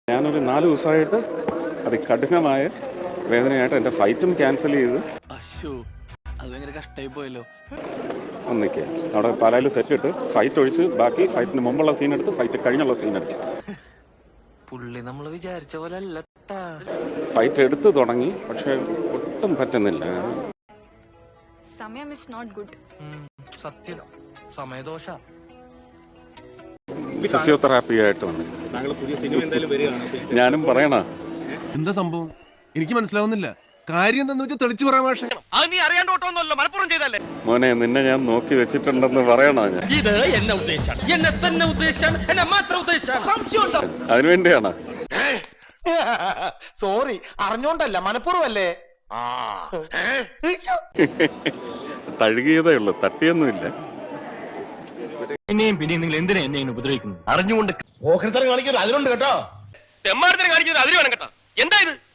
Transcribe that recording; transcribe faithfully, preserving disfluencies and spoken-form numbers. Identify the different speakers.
Speaker 1: ഞാനൊരു നാല് ദിവസമായിട്ട് അതികഠിനമായ വേദനയായിട്ട് എൻ്റെ ഫൈറ്റും ക്യാൻസൽ ചെയ്ത്
Speaker 2: അത് ഭയങ്കര കഷ്ടമായി പോയല്ലോ.
Speaker 1: ഒന്നിക്കുക അവിടെ പാലായിൽ സെറ്റ് ഇട്ട് ഫൈറ്റ് ഒഴിച്ച് ബാക്കി ഫൈറ്റിന് മുമ്പുള്ള സീൻ എടുത്ത് ഫൈറ്റ് കഴിഞ്ഞുള്ള സീൻ എടുത്ത്
Speaker 2: പുള്ളി നമ്മൾ വിചാരിച്ച പോലെ അല്ല.
Speaker 1: ഫൈറ്റ് എടുത്ത് തുടങ്ങി, പക്ഷെ ഒട്ടും പറ്റുന്നില്ല.
Speaker 3: സമയം ഇസ് നോട്ട് ഗുഡ്.
Speaker 2: സത്യം, സമയദോഷ.
Speaker 1: ഫിസിയോതെറാപ്പി ആയിട്ട് വന്നു. ഞാനും പറയണ
Speaker 4: എന്താ സംഭവം എനിക്ക് മനസ്സിലാവുന്നില്ല. കാര്യം എന്താന്ന് വെച്ചാൽ തെളിച്ചു പറയാൻ പക്ഷേ
Speaker 1: മോനെ, നിന്നെ ഞാൻ നോക്കി വെച്ചിട്ടുണ്ടെന്ന് പറയണോ? ഞാൻ
Speaker 5: ഇത് എന്നെ ഉദ്ദേശാണ്, എന്നെ തന്നെ ഉദ്ദേശാണ്, എന്നെ മാത്രം ഉദ്ദേശാണ്.
Speaker 1: അതിനുവേണ്ടിയാണ്.
Speaker 6: സോറി, അറിഞ്ഞോണ്ടല്ല, മനഃപൂർവ്വല്ലേ.
Speaker 1: തഴുകിയതേ ഉള്ളു, തട്ടിയൊന്നുമില്ല.
Speaker 5: പിന്നെയും പിന്നെയും നിങ്ങൾ എന്തിനാ എന്നെ ഉപദ്രവിക്കുന്നു? അറിഞ്ഞുകൊണ്ട്
Speaker 6: ഓഹരിത്തരം കാണിക്കുന്നത് അതിലുണ്ട് കേട്ടോ.
Speaker 5: തെമ്മാരത്തിനെ കാണിക്കുന്നത് അതിൽ വേണം കേട്ടോ. എന്താ ഇത്?